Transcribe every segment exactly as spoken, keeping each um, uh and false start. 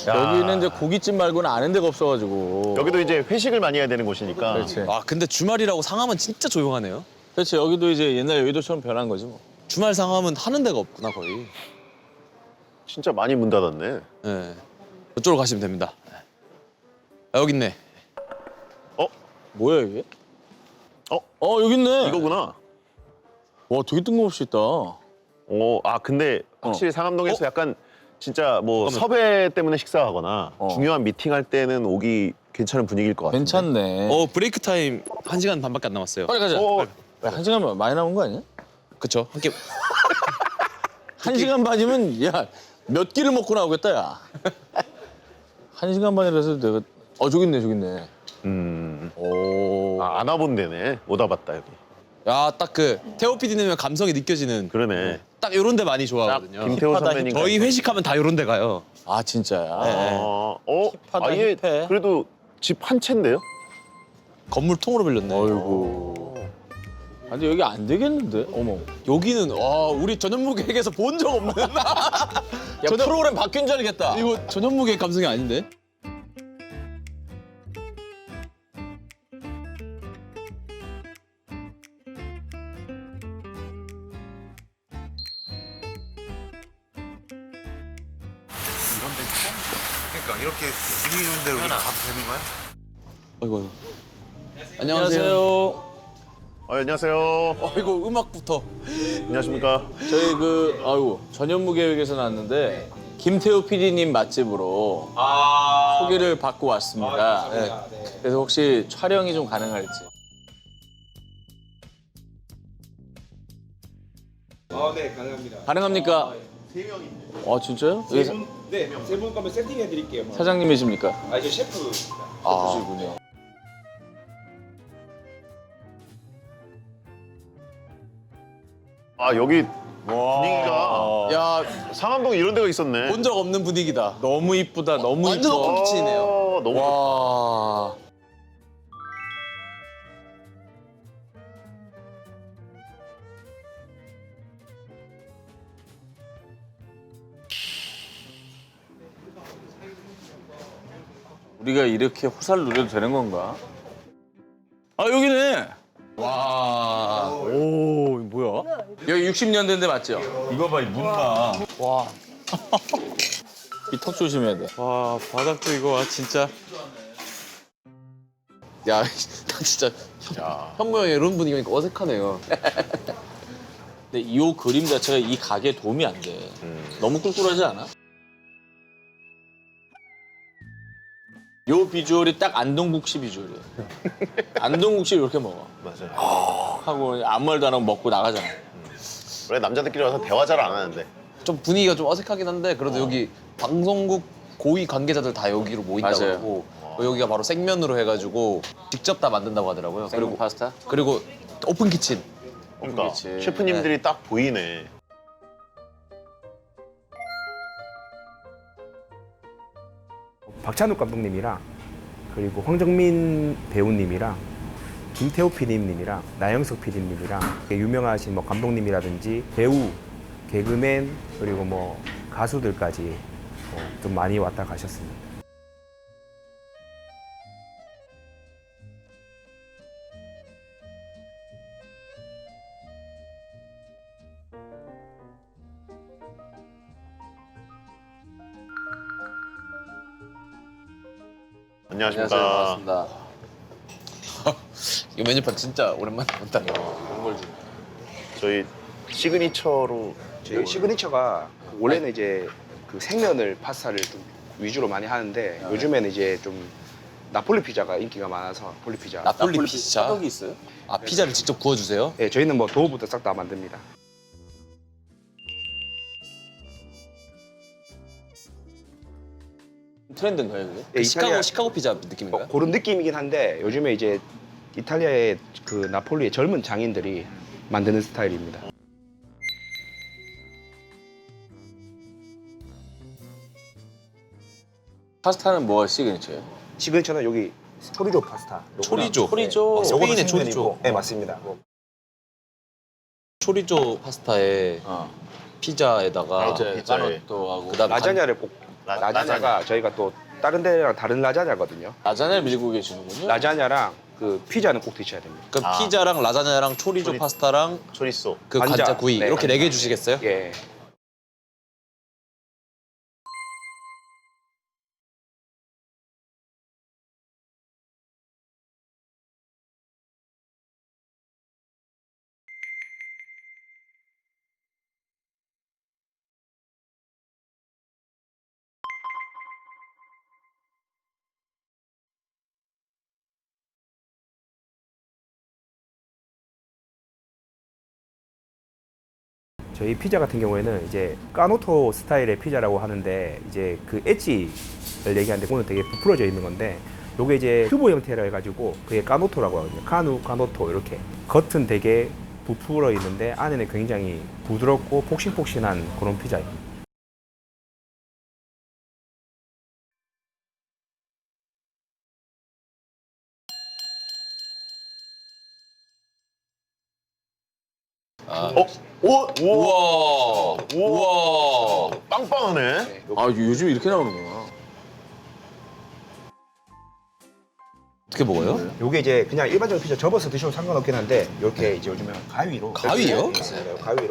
여기는 이제 고깃집 말고는 아는 데가 없어가지고. 여기도 이제 회식을 많이 해야 되는 곳이니까. 그렇지. 아 근데 주말이라고 상암은 진짜 조용하네요. 그렇지. 여기도 이제 옛날 여의도처럼 변한 거지 뭐. 주말 상암은 하는 데가 없구나 거의. 진짜 많이 문 닫았네. 네. 이쪽으로 가시면 됩니다. 아, 여기 있네. 어? 뭐야 이게? 어? 어 여기 있네. 이거구나. 와 되게 뜬금없이 있다. 어, 아 근데 확실히 상암동에서 어? 약간 진짜 뭐 잠깐만. 섭외 때문에 식사하거나 어. 중요한 미팅할 때는 오기 괜찮은 분위기일 것 같은데. 괜찮네. 어 브레이크 타임 한 시간 반밖에 안 남았어요. 빨리 가자. 어, 야, 한 시간 많이 남은 거 아니야? 그쵸? 함께 한 시간 반이면 야 몇 끼를 먹고 나오겠다 야. 한 시간 반이라서 내가 어 저기 있네 저기 있네. 음. 오. 아, 안 와본 데네. 오다 봤다 여기. 야딱 그 태호 피디님의 감성이 느껴지는 그러네. 딱 이런 데 많이 딱 좋아하거든요. 김태호 힙하다, 선배님. 저희 회식하면 다 이런 데 가요. 아 진짜야. 네. 어, 어, 힙하다, 아예 힙해. 그래도 집 한 채인데요? 건물 통으로 빌렸네. 어이구. 아, 근데 여기 안 되겠는데? 어머. 여기는 와 우리 전현무객에서 본 적 없는 야 프로그램 바뀐 줄 알겠다. 이거 전현무객 감성이 아닌데? 그러니까 이렇게 분위기 좋은 데로 우리가 가도 되는 거야? 아이고 아이고. 안녕하세요. 아, 안녕하세요. 어, 이거 음악부터. 안녕하십니까. 저희 그 아유 전현무 계획에서 나왔는데 김태호 피디님 맛집으로 소개를 받고 왔습니다. 네. 그래서 혹시 촬영이 좀 가능할지. 아, 네, 가능합니다. 가능합니까? 세 명인데. 아 진짜요? 세 여기 분, 네, 세 분 거면 세팅해 드릴게요. 사장님이십니까? 아, 저 셰프. 아, 그러시군요. 아, 여기 분위기가 야, 상암동 이런 데가 있었네. 본 적 없는 분위기다. 너무 이쁘다. 너무 완전 이뻐. 오픈 키친이네요. 어, 너무 와. 우리가 이렇게 호사를 누려도 되는 건가? 아 여기네. 와. 오 뭐야? 여기 육십 년대인데 맞죠? 이거 봐, 이 문 봐. 와. 이 턱 조심해야 돼. 와, 바닥도 이거 와 진짜. 야, 나 진짜 현무 형 이런 분위기니까 어색하네요. 근데 이 그림 자체가 이 가게에 도움이 안 돼. 너무 꿀꿀하지 않아? 요 비주얼이 딱 안동국시 비주얼이야. 안동국시 이렇게 먹어. 맞아요. 하고 아무 말도 안 하고 먹고 나가잖아. 원래 남자들끼리 와서 대화 잘 안 하는데. 좀 분위기가 좀 어색하긴 한데 그래도 여기 방송국 고위 관계자들 다 여기로 모인다고 맞아요. 하고 여기가 바로 생면으로 해가지고 직접 다 만든다고 하더라고요. 그리고 파스타? 그리고 오픈 키친. 그러니까 그치. 셰프님들이 딱 보이네. 박찬욱 감독님이랑 그리고 황정민 배우님이랑 김태호 피디님이랑 나영석 피디님이랑 유명하신 뭐 감독님이라든지 배우, 개그맨 그리고 뭐 가수들까지 어, 좀 많이 왔다 가셨습니다. 안녕하십니까. 안녕하세요. 반갑습니다. 이 메뉴판 진짜 오랜만에 본다. 몽골 중. 저희 시그니처로 저희 시그니처가 원래는 이제 그 생면을 파스타를 좀 위주로 많이 하는데 요즘에는 이제 좀 나폴리 피자가 인기가 많아서 나폴리 피자. 나폴리 피자. 사각이 있어요? 아 피자를 직접 구워주세요? 네, 저희는 뭐 도우부터 싹 다 만듭니다. 트렌드인가요 그게? 네, 시카고 이탈리아 시카고 피자 느낌인가요? 어, 그런 느낌이긴 한데 요즘에 이제 이탈리아의 그 나폴리의 젊은 장인들이 만드는 스타일입니다. 파스타는 뭐가 시그니처예요? 시그니처는 여기 초리조 파스타. 초리조. 초리조. 어, 스페인의 초리조. 네, 맞습니다. 초리조 파스타에 어. 피자에다가 아, 이제 피자에. 까노또 하고 그다음에 라자냐를 볶 라- 라자냐가 저희가 또 다른 데랑 다른 라자냐거든요. 라자냐를 밀고 계시는군요. 라자냐랑 그 피자는 꼭 드셔야 됩니다. 그럼 아. 피자랑 라자냐랑 초리조 초리- 파스타랑 초리소. 그 관자. 관자, 구이 네, 이렇게 관자. 네 개 주시겠어요? 예. 저희 피자 같은 경우에는 이제 까노토 스타일의 피자라고 하는데 이제 그 엣지를 얘기하는데 오늘 되게 부풀어져 있는 건데 요게 이제 큐브 형태라 해가지고 그게 까노토라고 하거든요. 카누, 까노토 이렇게 겉은 되게 부풀어 있는데 안에는 굉장히 부드럽고 폭신폭신한 그런 피자입니다. 어? 오! 우와! 우와. 우와! 빵빵하네. 아 요즘 이렇게 나오는구나. 어떻게 먹어요? 요게 이제 그냥 일반적인 피자 접어서 드셔도 상관없긴 한데 이렇게 이제 요즘에 가위로 가위요? 네, 가위로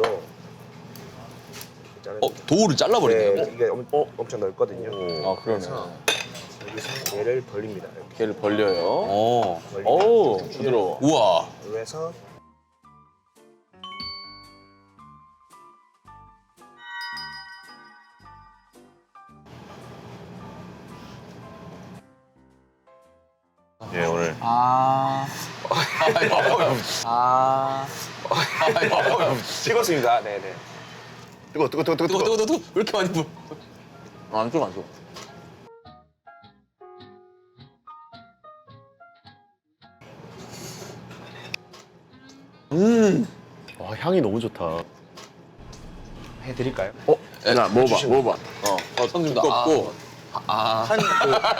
자르는 어, 도우를 잘라버리네요. 네, 이게 엄, 어, 엄청 넓거든요. 아 그러네. 여기서 얘를 벌립니다. 이렇게 걔를 벌려요. 어. 벌리면 오 좀 부드러워. 우와. 그래서 예, 오늘 아. 아. 찍었습니다. 네네. 뜨거, 뜨거, 뜨거, 뜨거, 뜨거, 뜨거, 뜨거, 뜨거. 왜 이렇게 많이 불? 안 줘, 안 줘. 와, 향이 너무 좋다. 해드릴까요? 어? 야 먹어봐, 먹어봐. 어. 어, 성준도 두껍고 아. 한 그,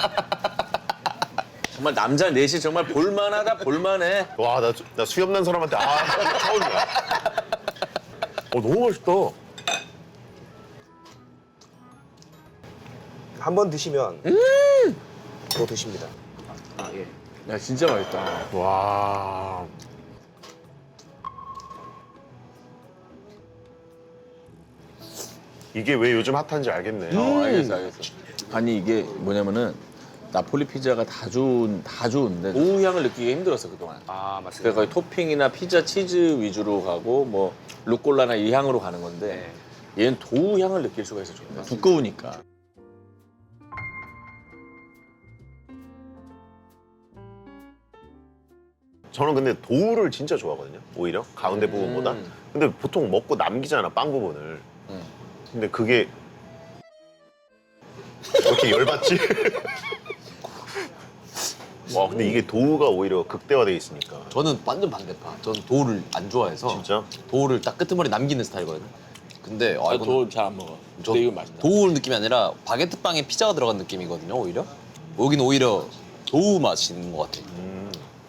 정말 남자 넷이 정말 볼만하다, 볼만해. 와, 나, 나 수염 난 사람한테 아, 처음이야. 어, 너무 맛있다. 한 번 드시면 또 드십니다. 아 예. 야 진짜 맛있다. 와. 이게 왜 요즘 핫한지 알겠네. 어, 알겠어, 알겠어. 아니 이게 뭐냐면은 나폴리 피자가 다 좋은 다 좋은데 도우 향을 느끼기 힘들었어 그동안. 아 맞습니다. 그래서 거의 토핑이나 피자 치즈 위주로 가고 뭐 루꼴라나 이 향으로 가는 건데 얘는 도우 향을 느낄 수가 있어 좋네. 두꺼우니까. 저는 근데 도우를 진짜 좋아하거든요. 오히려 가운데 부분보다. 음. 근데 보통 먹고 남기잖아, 빵 부분을. 음. 근데 그게 왜 이렇게 열받지? 와, 근데 이게 도우가 오히려 극대화돼 있으니까. 저는 완전 반대파. 저는 도우를 안 좋아해서 진짜? 도우를 딱 끄트머리 남기는 스타일이거든요. 근데 아, 아, 이건 도우 잘 안 먹어. 저 근데 이건 맛있다. 도우 느낌이 아니라 바게트 빵에 피자가 들어간 느낌이거든요. 오히려 여기는 오히려 도우 맛이 있는 것 같아요. 음,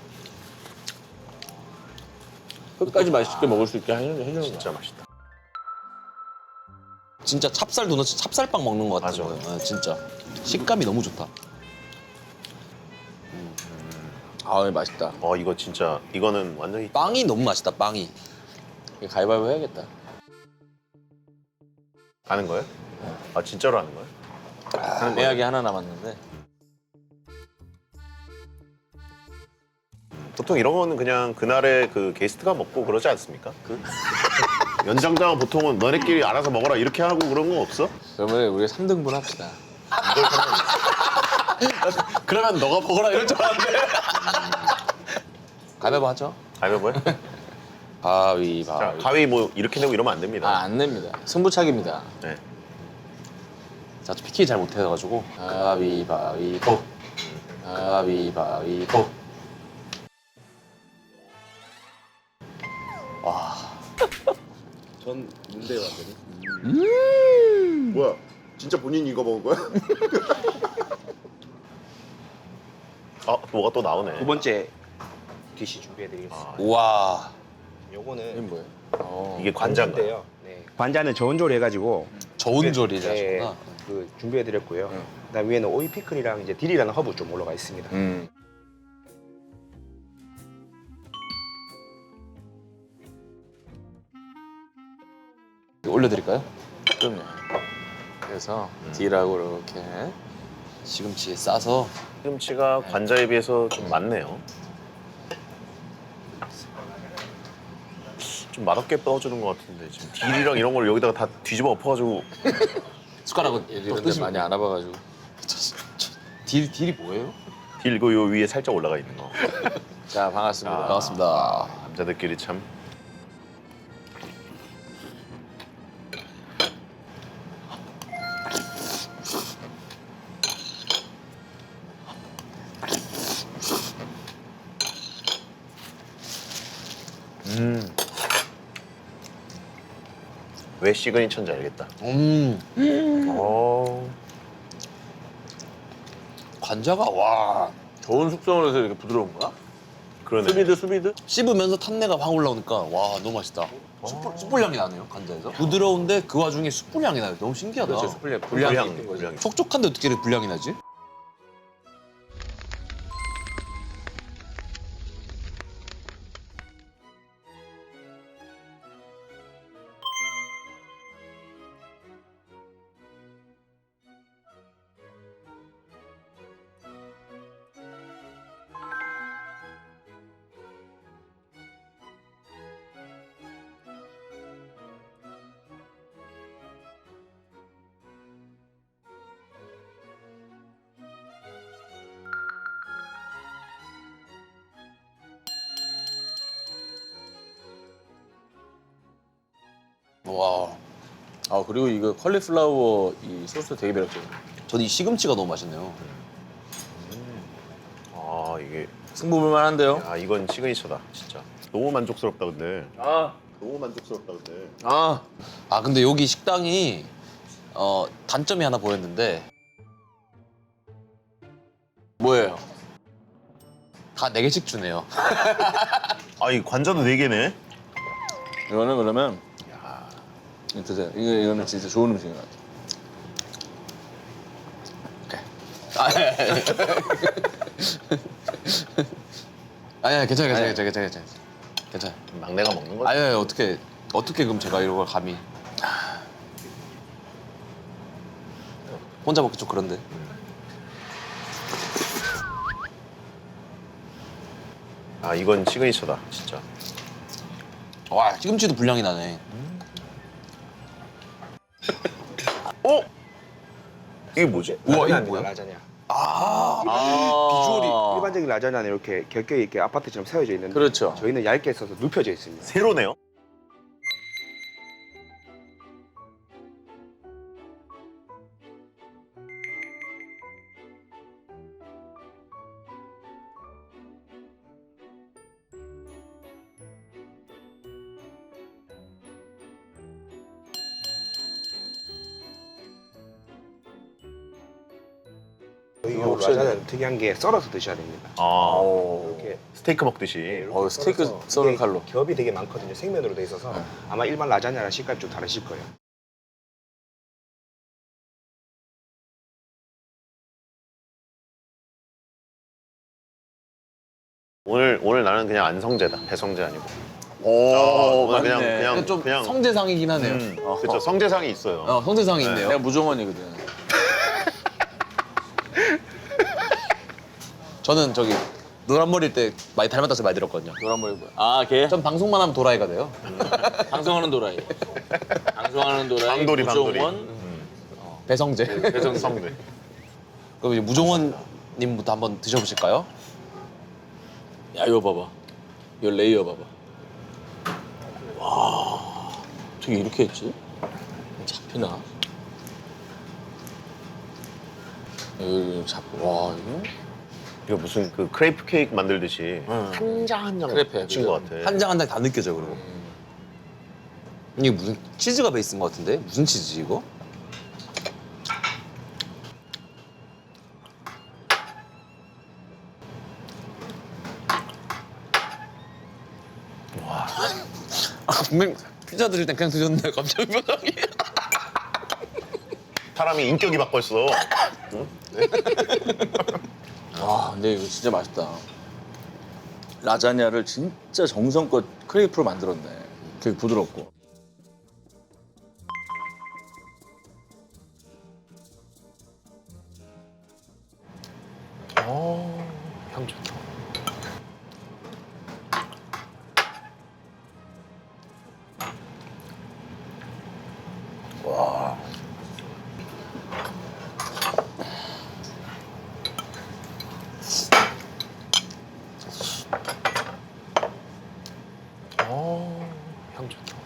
끝까지 맛있게 먹을 수 있게 해주는 해주는 거야. 진짜 맛있다. 진짜 찹쌀 도넛, 찹쌀빵 먹는 것 같은 맞아. 거예요. 네, 진짜 식감이 너무 좋다. 아 맛있다. 어, 이거 진짜 이거는 완전히 빵이 너무 맛있다. 빵이. 이거 가위바위보 해야겠다. 아는 거예요? 아, 진짜로 아는 거예요? 아, 애약이 하나 남았는데. 보통 이런 거는 그냥 그날의 그 게스트가 먹고 그러지 않습니까? 그 연장자가 보통은 너네끼리 알아서 먹어라 이렇게 하고 그런 거 없어? 그러면 우리 삼 등분 합시다. 그러면 너가 먹어라 이럴 줄 알았는데. 가위바위보 하죠. 가위바위보해? 가위바위보. 자, 가위 뭐 이렇게 내고 이러면 안 됩니다. 아 안 냅니다. 승부차기입니다. 네. 자, 저 피키 잘 못해가지고 가위바위보. 가위바위보. 전 뭔데요, 완전히? 뭐야? 진짜 본인이 이거 먹은 거야? 아, 뭐가 또 나오네. 두 번째 디시 준비해드리겠습니다. 아, 우와. 이게 요거는 뭐예요? 어. 이게 관자인가요? 관자인데요. 네. 관자는 저온조리 해가지고 저온 조리를 네, 하셨구나. 그 준비해드렸고요. 그다음 위에는 오이 피클이랑 이제 딜이라는 허브 좀 올라가 있습니다. 음. 올려드릴까요? 그럼요. 그래서 D라고 이렇게. 시금치에 싸서. 시금치가 관자에 비해서 좀 많네요. 좀 맛없게 떠주는 것 같은데 지금 딜이랑 이런 걸 여기다가 다 뒤집어 엎어가지고 숟가락은 이런 데 많이 안 와봐가지고. 딜 딜이 뭐예요? 딜 이거 요 위에 살짝 올라가 있는 거. 자, 반갑습니다. 반갑습니다. 남자들끼리 참. 음. 왜 시그니처인지 알겠다. 음. 어. 관자가 와 좋은 숙성을 해서 이렇게 부드러운 거야? 그러네. 수비드, 수비드? 씹으면서 탄내가 확 올라오니까 와 너무 맛있다. 숯불, 숯불 향이 나네요 관자에서. 부드러운데 그 와중에 숯불 향이 나요. 너무 신기하다. 그렇죠, 숯불향. 불향이 불향, 있는 거지. 불향. 촉촉한데 어떻게 이렇게 불향이 나지? 와, 아, 그리고 이거 컬리플라워 이 소스 되게 매력적이야. 저는 이 시금치가 너무 맛있네요. 아 이게 승부볼 만한데요? 아 이건 시그니처다 진짜. 너무 만족스럽다 근데. 아, 너무 만족스럽다 근데. 아. 아 근데 여기 식당이 어, 단점이 하나 보였는데 뭐예요? 다 네 개씩 주네요. 아 이 관자도 네 개네. 이거는 그러면 이거 드세요. 이거, 이거는 진짜 좋은 음식인 것 같아요. 아니, 아니 괜찮아, 괜찮아, 괜찮아, 괜찮아, 괜찮아. 괜찮아. 막내가 먹는 거지. 아니, 아니 어떻게 어떻게 그럼 제가 이런 걸 감히 혼자 먹기 좀 그런데. 아 이건 시그니처다 진짜. 와 시금치도 불량이 나네. 어? 이게 뭐지? 우와, 이거 라자냐입니다, 뭐야? 라자냐. 아, 비주얼이 일반적인 라자냐는 이렇게 겹겹이 이렇게 아파트처럼 세워져 있는데 그렇죠. 저희는 얇게 써서 눕혀져 있습니다. 세로네요. 저희 요 라자냐는 특이한 게 썰어서 드셔야 됩니다. 아 이렇게 스테이크 먹듯이. 어, 스테이크 썰어서 썰은 이게 칼로. 겹이 되게 많거든요. 생면으로 돼 있어서 아마 일반 라자냐랑 식감이 좀 다르실 거예요. 오늘 오늘 나는 그냥 안성재다. 배성재 아니고. 오, 오늘 그냥 맞네. 그냥 좀 그냥. 성대상이긴 하네요. 음, 그렇죠. 성재상이 있어요. 어, 성대상이 있네요. 내가 무종원이거든. 저는 저기 노란 머리일 때 많이 닮았다고 많이 들었거든요. 노란 머리 뭐야? 아, 걔? 전 방송만 하면 도라이가 돼요. 방송하는 도라이. 방송하는 도라이. 방돌이, 방돌이. 무종원. 배성재. 배성 성재. 그럼 이제 무종원님부터 한번 드셔보실까요? 야, 이거 봐봐. 이거 레이어 봐봐. 와, 어떻게 이렇게 했지? 잡히나? 이거 잡고, 와, 이거? 이거 무슨 그 크레이프 케이크 만들듯이 한 장 한 장 크레페야, 친 그죠? 것 같아. 한 장 한 장 다 느껴져 그리고. 이게 무슨 치즈가 베이스인 것 같은데? 무슨 치즈지 이거? 와. 아, 분명 피자 드실 땐 그냥 드셨는데 갑자기 표정이. 사람이 인격이 바뀌었어. 와, 근데 이거 진짜 맛있다. 라자냐를 진짜 정성껏 크레이프로 만들었네. 되게 부드럽고. 향 좋다. 향 좋다.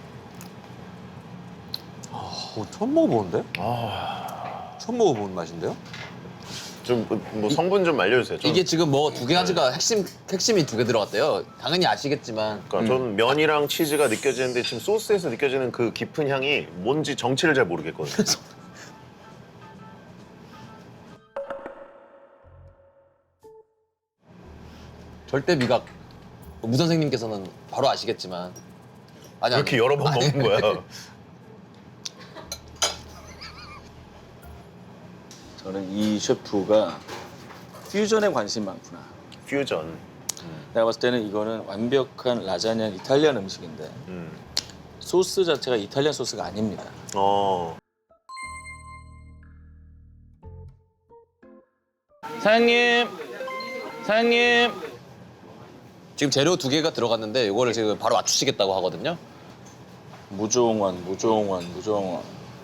어, 처음 먹어보는데? 처음 먹어보는 맛인데요? 좀 뭐 성분 좀 알려주세요. 좀, 이게 지금 뭐 두 개 가지가 핵심 핵심이 두 개 들어갔대요. 당연히 아시겠지만 그러니까 전 면이랑 치즈가 느껴지는데 지금 소스에서 느껴지는 그 깊은 향이 뭔지 정체를 잘 모르겠거든요. 절대 미각. 무 선생님께서는 바로 아시겠지만 아니 이렇게 여러 번 아니, 먹는 거야. 저는 이 셰프가 퓨전에 관심이 많구나. 퓨전. 내가 봤을 때는 이거는 완벽한 라자냐 이탈리안 음식인데 음. 소스 자체가 이탈리안 소스가 아닙니다. 어. 사장님, 사장님. 지금 재료 두 개가 들어갔는데 이거를 지금 바로 맞추시겠다고 하거든요. 무종원, 무종원, 무종원.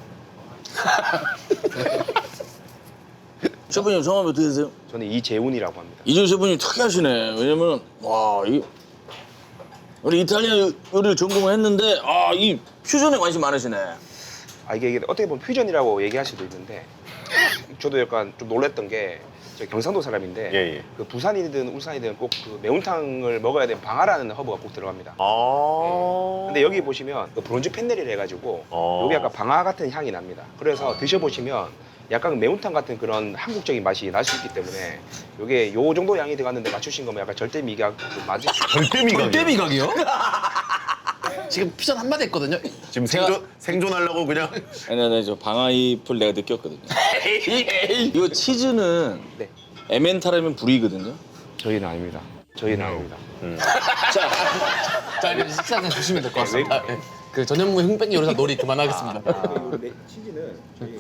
셰프님 성함이 어떻게 되세요? 저는 이재훈이라고 합니다. 이준 셰프님 특이하시네. 왜냐면 와, 이 우리 이탈리아 요리를 전공을 했는데 아, 이 퓨전에 관심 많으시네. 아 이게, 이게 어떻게 보면 퓨전이라고 얘기할 수도 있는데 저도 약간 좀 놀랬던 게 저 경상도 사람인데 예, 예. 그 부산이든 울산이든 꼭 그 매운탕을 먹어야 되는 방아라는 허브가 꼭 들어갑니다. 아. 근데 여기 보시면 그 브론즈 펜넬이라 해가지고 어. 여기 약간 방아 같은 향이 납니다. 그래서 드셔보시면 약간 매운탕 같은 그런 한국적인 맛이 날 수 있기 때문에 이게 요 정도 양이 들어갔는데 맞추신 거면 약간 절대 미각 맞으 절대 미각. 절대 미각이요? 지금 퓨전 한마디 했거든요. 지금 제가- 생존 생존하려고 그냥. 아니, 아니, 저 방아잎을 내가 느꼈거든요. 이거 치즈는 네. 에멘탈하면 불이거든요. 저희는 아닙니다. 저희는 아닙니다. 자, 이제 식사는 주시면 될 것 같습니다. 네. 그 전현무 흉백이 요리사 놀이 그만하겠습니다. 치즈는 저희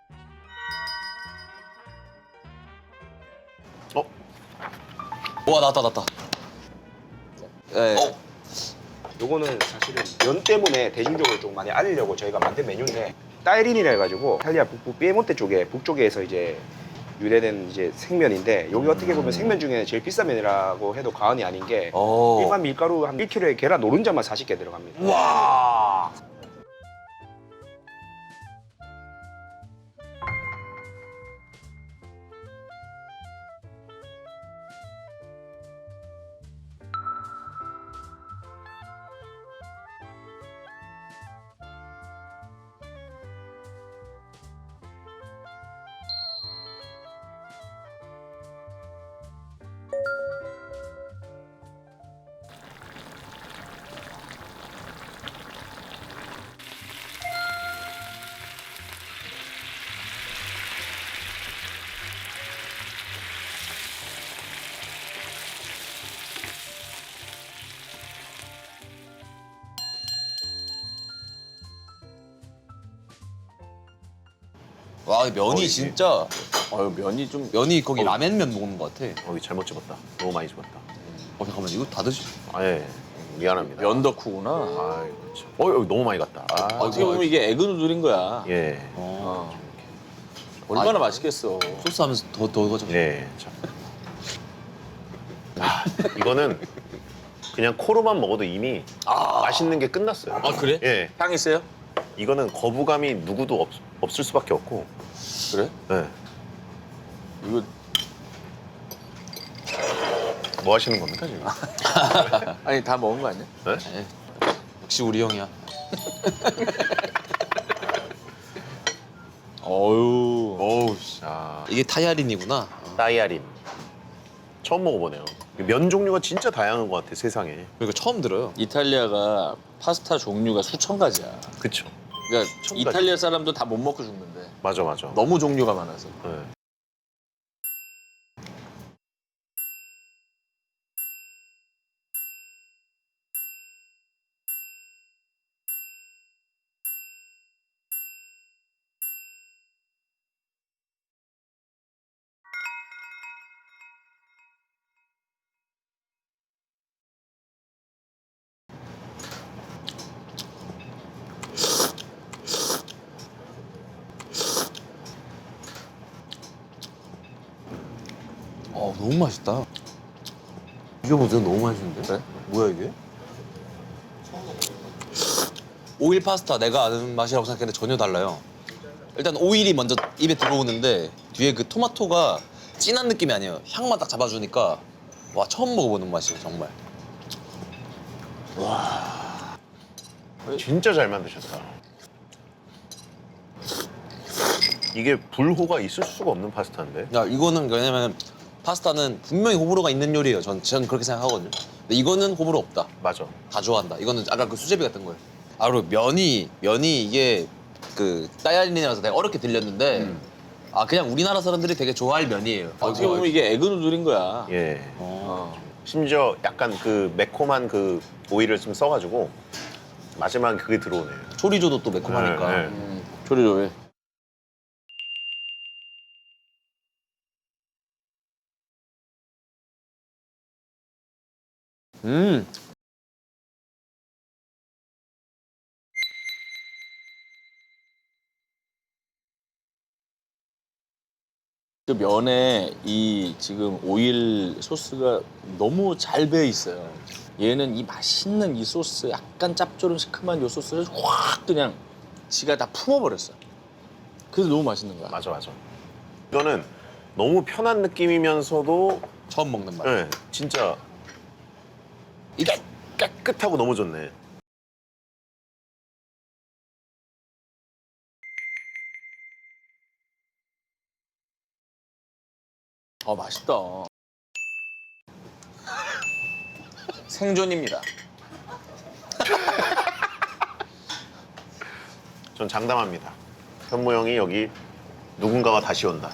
어? 와 나왔다 나왔다. 네. 요거는 사실은 면 때문에 대중적으로 좀 많이 알리려고 저희가 만든 메뉴인데 따이린이라 해가지고 이탈리아 북부 피에몬테 쪽에 북쪽에서 이제 유래된 이제 생면인데 여기 어떻게 보면 생면 중에 제일 비싼 면이라고 해도 과언이 아닌 게 오. 일반 밀가루 한 일 킬로그램에 계란 노른자만 사십 개 들어갑니다. 와. 와 면이 이게- 진짜 어, 면이 좀 면이 거기 라멘면 먹는 것 같아. 어, 이거 잘못 집었다. 너무 많이 집었다. 어 잠깐만 이거 다 드시. 아, 예. 미안합니다. 면 덕후구나. 아, 참. 어, 여기 너무 많이 갔다. 아, 어떻게 보면 이게 에그 누들인 거야. 예. 어. 얼마나 맛있겠어. 소스 하면서 더더 가져. 예. 참. 아, 이거는 그냥 코로만 먹어도 이미 맛있는 게 끝났어요. 아 그래? 예. 향 있어요? 이거는 거부감이 누구도 없, 없을 수밖에 없고. 그래? 예. 이거 뭐 하시는 겁니까, 지금? 아니 다 먹은 거 아니야? 네? 네. 역시 우리 형이야. 어유. 어우, 씨. 아, 이게 타야린이구나. 따이아림. 처음 먹어보네요. 면 종류가 진짜 다양한 것 같아, 세상에. 그리고 처음 들어요. 이탈리아가 파스타 종류가 수천 가지야. 그쵸? 그러니까 가지. 이탈리아 사람도 다 못 먹고 죽는데 맞아 맞아. 너무 종류가 많아서. 네. 어 너무 맛있다. 이게 보세요 너무 맛있는데? 그래? 뭐야 이게? 오일 파스타 내가 아는 맛이라고 생각했는데 전혀 달라요. 일단 오일이 먼저 입에 들어오는데 뒤에 그 토마토가 진한 느낌이 아니에요. 향만 딱 잡아주니까 와 처음 먹어보는 맛이에요 정말. 진짜 잘 만드셨다. 이게 불호가 있을 수가 없는 파스타인데. 야 이거는 왜냐면 파스타는 분명히 호불호가 있는 요리예요. 전, 전 그렇게 생각하거든요. 근데 이거는 호불호 없다. 맞아. 다 좋아한다. 이거는 아까 그 수제비 같은 거예요. 아 그리고 면이 면이 이게 그 따야린이라서 내가 어렵게 들렸는데 아 그냥 우리나라 사람들이 되게 좋아할 면이에요. 어떻게 보면 이게 에그 누들인 거야. 예. 어. 심지어 약간 그 매콤한 그 오일을 좀 써가지고 마지막에 그게 들어오네. 초리조도 또 매콤하니까. 네, 네. 음, 조리조리. 음. 그 면에 이 지금 오일 소스가 너무 잘 배어 있어요. 얘는 이 맛있는 이 소스, 약간 짭조름 시큼한 이 소스를 확 그냥 지가 다 품어버렸어. 그래서 너무 맛있는 거야. 맞아 맞아. 이거는 너무 편한 느낌이면서도 처음 먹는 맛. 네, 진짜 이게 깨끗하고 너무 좋네. 아 맛있다. 생존입니다. 전 장담합니다. 현무 형이 여기 누군가가 다시 온다.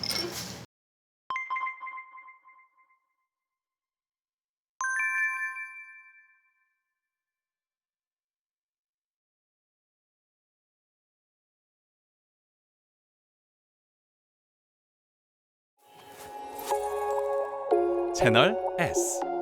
채널 S